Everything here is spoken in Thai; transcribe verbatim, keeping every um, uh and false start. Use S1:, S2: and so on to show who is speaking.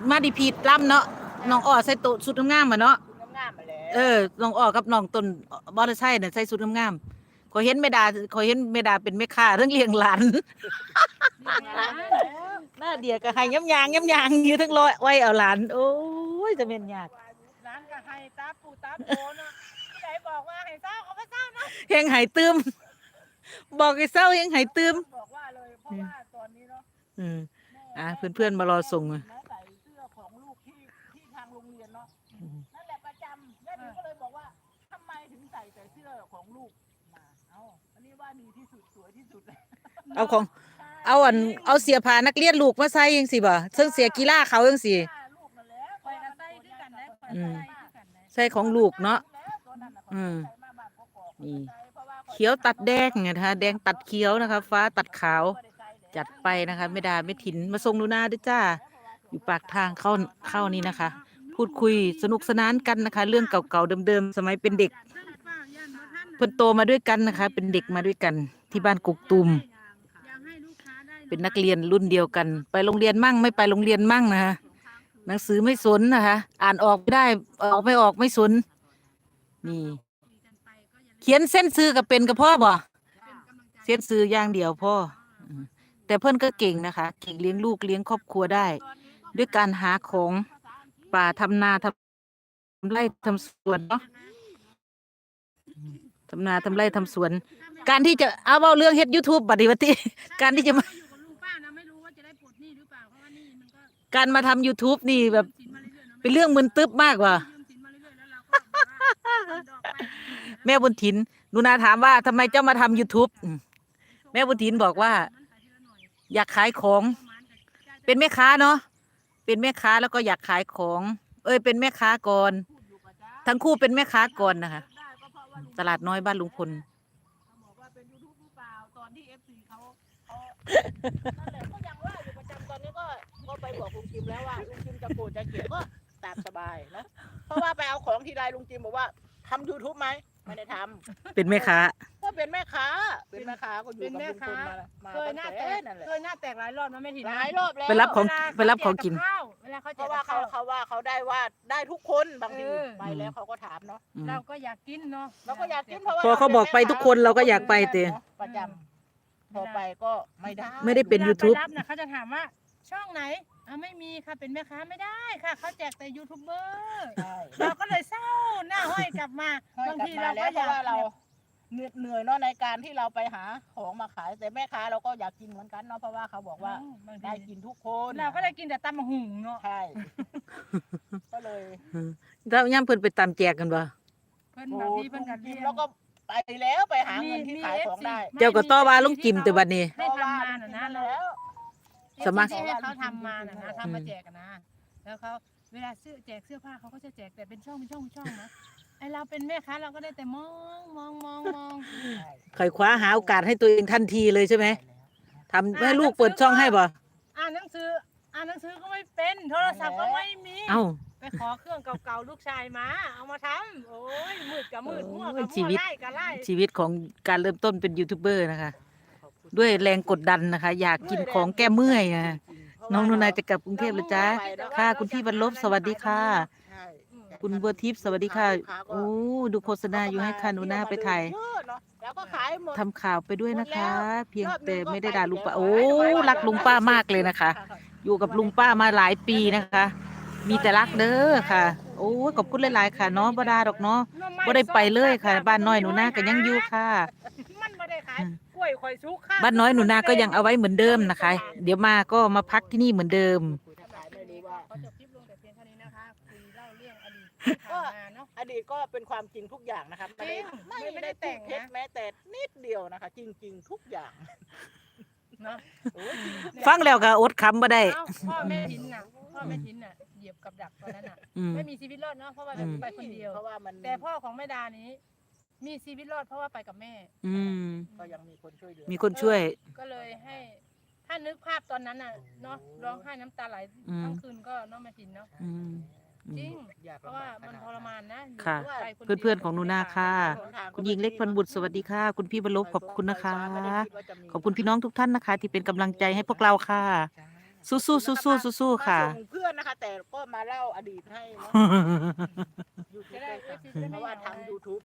S1: มาดิพีดล่ำเนาะน้องอ้อใส่ตุสุดงามๆมาเนาะ
S2: งามๆมาแล้ว
S1: เออน้องอ้อกับน้องต้นบอลไซค์เนี่ยใส่สุดงามๆขอยเห็นเมดาขอยเห็นเมดาเป็นแม่ค้าเรื่องเลี้ยงหลานหน้าเดียก็ให้ย้ำยางย้ำยางอยู่ทั้งร้อยไว้เอาหลานโอ้ยจะเป็นยาก
S2: ร้านก็ให้ตาปูตาโปเนาะที่ไหนบอกว่าให้เศร้าเขาไม่เศร้าเนาะ
S1: เฮงหายตืมบอกไอ้เศร้าเฮงหายตืม
S2: บอกว่าเลยเพราะว่าตอนนี้เนาะ
S1: อืมอ่าเพื่อนๆมารอส่งอ่ะ
S2: ใส่เสื้อของลูกที่ที่ทางโรงเรียนเนาะนั่นแหละประจำแม่ถึงก็เลยบอกว่าทำไมถึงใส่แต่เสื้อของลูกมาเอาอันนี้ว่าดีที่สุดสวยที่สุดเลย
S1: เอาของเอาอันเอาเสียผ้านักเรียนลูกมาใส่ยังสิบ่ซึ่งเสียกีฬาเขายังสิใส่ของลูกเนาะอืมนี่เขียวตัดแดงนะคะแดงตัดเขียวนะคะฟ้าตัดขาวจัดไปนะคะไม่ดาไม่ถินมาส่งดูหน้าด้วยจ้าอยู่ปากทางเข้าเข้านี่นะคะ พูดคุยสนุกสนานกันนะคะ เรื่องเก่าๆเดิมๆสมัยเป็นเด็กเพิ่นโตมาด้วยกันนะคะ เป็นเด็กมาด้วยกันที่บ้านกุกตุมเป็นนักเรียนรุ่นเดียวกัน ไปโรงเรียนมั่งไม่ไปโรงเรียนมั่งนะคะหนังสือไม่สนนะคะ อ่านออกไม่ได้ออกไม่ออกไม่สนนี่เขียนเส้นซื้อกับเป็นกับพ่อบ่เส้นซื้ออย่างเดียวพ่อแต่เพื่อนก็เก่งนะคะเก่งเลี้ยงลูกเลี้ยงครอบครัวได้ ด้วยการหาของป่าทำนาทำไร่ทำสวนเนาะทำนาทำไร่ทำสวน การที่จะเอาเอาเรื่องเฮ็ดยูทูบบัดนี้วัติการที่จะมาการมาทำ YouTube นี่แบบเป็นเรื่องมึนตึ๊บมากว่ะแม่บุญถินนุนาถามว่าทำไมเจ้ามาทำ YouTube แม่บุญถินบอกว่าอยากขายของเป็นแม่ค้าเนาะเป็นแม่ค้าแล้วก็อยากขายของเอ้ยเป็นแม่ค้าก่อนทั้งคู่เป็นแม่ค้าก่อนนะคะตลาดน้อยบ้านลุงพล
S2: นั่นแหละก็ยังว่าอยู่ประจำตอนนี้ก็ก็ไปบอกลุงจิมแล้วว่าลุงจิมจะโกรธจะเกลียดก็ตามสบายนะเพราะว่าไปเอาของทีไรลุงจิมบอกว่าทำ YouTube ไหมไม่ได้ทำ
S1: เป็นแม่ค้า
S2: ก็เป็นแม่ค้าเป็นแม่ค้าก็อยู่กับลุงพลมา
S3: เคยหน้าแตกเคยหน้าแตกหลายรอบนะไม่ถิน
S2: หลายรอบแล้ว
S1: ไปรับของไปรับของกิน
S3: เวลาเขา
S2: เพราะว่าเขาเขาว่าเขาได้ว่าได้ทุกคนบางทีไปแล้วเขาก็ถามเนาะ
S3: เราก็อยากกินเนาะ
S2: เราก็อยากกินเพราะว่า
S1: พอเขาบอกไปทุกคนเราก็อยากไปเตะ
S2: ประจำพอไปก็ไม่ได้
S1: ไม่ได้เป็น YouTube
S3: รับนะเขาจะถามว่าช่องไหนอ่ะไม่มีค่ะเป็นแม่ค้าไม่ได้ค่ะเขาแจกแต่ยูทูบเบอร์เราก็เลยเศร้าหน้าห้อยกลับมาบางทีเราก็อยาก
S2: เราเหนื่อยเนาะในการที่เราไปหาของมาขายแต่แม่ค้าเราก็อยากกินเหมือนกันเนาะเพราะว่าเขาบอกว่าได้กินทุกคน
S3: เราก็ได้กินแต่ตำมะหุ่งเนาะ
S2: ใช่ก็เลย
S1: แล้วย่ำเพิ่นไปตามแจกกันบ่
S3: เพิ่นบางทีเพิ่นกัน
S2: แล้วก็ไปแล้วไปหาเงินที่ขายของได้
S1: เจ้าก็ต่อว่าลุงจิมแต่บัดนี้
S3: ให้ทำมาน่ะนะแล้วสมัครให้เขาทำมาน่ะนะทำมาแจกนะแล้วเขาเวลาซื้อแจกเสื้อผ้าเขาก็จะแจกแต่เป็นช่องเป็นช่องเป็นช่องนะไอเราเป็นแม่ค้าเราก็ได้แต่มองมองมองมอง
S1: ไขว่คว้าหาโอกาสให้ตัวเองทันทีเลยใช่ไหมทำให้ลูกเปิดช่องให้บ่
S3: อ่านหนังสืออ่านหนังสือก็ไม่เป็นโทรศัพท์ก็ไม่มี
S1: เอ้า
S3: ไปขอเครื่องเก่าๆลูกชายมาเอามาทำโอ้ยมืดกับมืดมั่วกับมั่วไล่กับไล่
S1: ชีวิตของการเริ่มต้นเป็นยูทูบเบอร์นะคะด้วยแรงกดดันนะคะอยากกินของแก้เมื่อยนะน้องนุนายจะกลับกรุงเทพแล้วจ้าค่ะคุณพี่บรรลบสวัสดีค่ะคุณบัวทิพย์สวัสดีค่ะโอ้ดูโฆษณาอยู่ให้ค่ะหนูนาไปถ่ายทำข่าวไปด้วยนะคะ เพียงแต่ไม่ได้ด่าลุงป้าโอ้รักลุงป้ามากเลยนะคะ อยู่กับลุงป้ามาหลายปีนะคะ มีแต่รักเด้อค่ะโอ้ขอบคุณหลายๆค่ะเนาะบ่ดาดอกเนาะบ่ได้ไปเลยค่ะบ้านน้อยหนูนาก็ยังอยู่ค่ะบ้านน้อยหนูนาก็ยังเอาไว้เหมือนเดิมนะคะเดี๋ยวมาก็มาพักที่นี่เหมือนเดิม
S2: ก็อดีตก็เป็นความจริงทุกอย่างนะคะไม่ได้ไม่ได้แต่งเพชรแม้แต่นิดเดียวนะคะจริงๆทุกอย่าง
S1: ฟังแล้วก็อดคำบ่ได้
S3: พ่อแม่ถินน่ะพ่อแม่ถินน่ะเหยียบกับดักตอนนั้นน่ะไม่มีชีวิตรอดเนาะเพราะว่าไปคนเดียวแต่พ่อของแม่ดานี้มีชีวิตรอดเพราะว่าไปกับแม่
S1: อืม
S2: ก็ยังมีคนช่วยเหลือ
S1: มีคนช่วย
S3: ก็เลยให้ถ้านึกภาพตอนนั้นน่ะเนาะร้องไห้น้ำตาไหลทั้งคืนก็น้องแม่ถินเนาะจริงเพราะว่ามันทรมานนะ
S1: ค่ะเพื่อนๆของหนูนาค่ะคุณหญิงเล็กพันบุตรสวัสดีค่ะคุณพี่บรรลบขอบคุณนะคะขอบคุณพี่น้องทุกท่านนะคะที่เป็นกำลังใจให้พวกเราค่ะสู้สู้สู้สู้สู้สู้ค่ะ
S2: มาส่งเพื่อนนะคะ แต่ก็มาเล่าอดีตให้เนาะ
S3: จะได้
S2: เพราะว่าทำ ยูทูบ